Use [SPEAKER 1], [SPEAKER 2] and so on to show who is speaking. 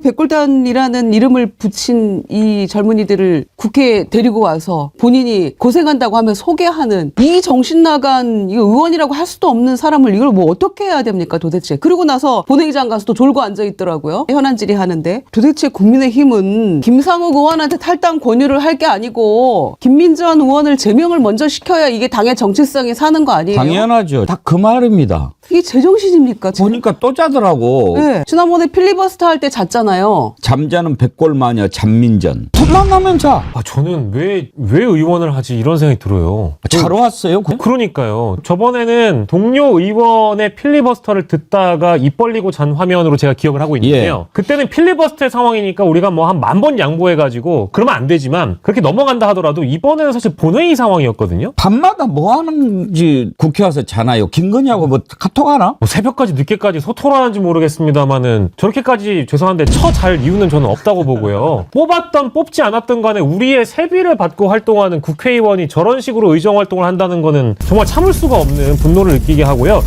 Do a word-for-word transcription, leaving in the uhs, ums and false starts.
[SPEAKER 1] 백골단이라는 이름을 붙인 이 젊은이들을 국회에 데리고 와서 본인이 고생한다고 하면 소개하는 이 정신 나간 이 의원이라고 할 수도 없는 사람을 이걸 뭐 어떻게 해야 됩니까 도대체. 그리고 나서 본회의장 가서 또 졸고 앉아 있더라고요. 현안 질의하는데. 도대체 국민의힘은 김상욱 의원한테 탈당 권유를 할 게 아니고 김민전 의원을 제명을 먼저 시켜야 이게 당의 정체성이 사는 거 아니에요?
[SPEAKER 2] 당연하죠. 다 그 말입니다.
[SPEAKER 1] 이게 제정신입니까? 지금?
[SPEAKER 2] 보니까 또 자더라고.
[SPEAKER 1] 네. 지난번에 필리버스터 할 때 잤잖아요.
[SPEAKER 2] 잠자는 백골마녀 잠민전. 틈만 나면 자.
[SPEAKER 3] 아, 저는 왜, 왜 의원을 하지 이런 생각이 들어요.
[SPEAKER 2] 자러 왔어요.
[SPEAKER 3] 그, 그러니까요. 저번에는 동료 의원의 필리버스터를 듣다가 입 벌리고 잔 화면으로 제가 기억을 하고 있는데요.
[SPEAKER 2] 예.
[SPEAKER 3] 그때는 필리버스터의 상황이니까 우리가 뭐 한 만 번 양보해가지고 그러면 안 되지만 그렇게 넘어간다 하더라도 이번에는 사실 본회의 상황이었거든요.
[SPEAKER 2] 밤마다 뭐 하는지 국회 와서 자나요? 김건희하고 뭐 카톡 하나?
[SPEAKER 3] 뭐 새벽까지 늦게까지 소토라는지 모르겠습니다만은 저렇게까지 죄송한데 처 잘 이유는 저는 없다고 보고요. 뽑았던 뽑지 않았던 간에 우리의 세비를 받고 활동하는 국회의원이 저런 식으로 의정 활동을 한다는 거는 정말 참을 수가 없는 분노를 느끼게 하고요.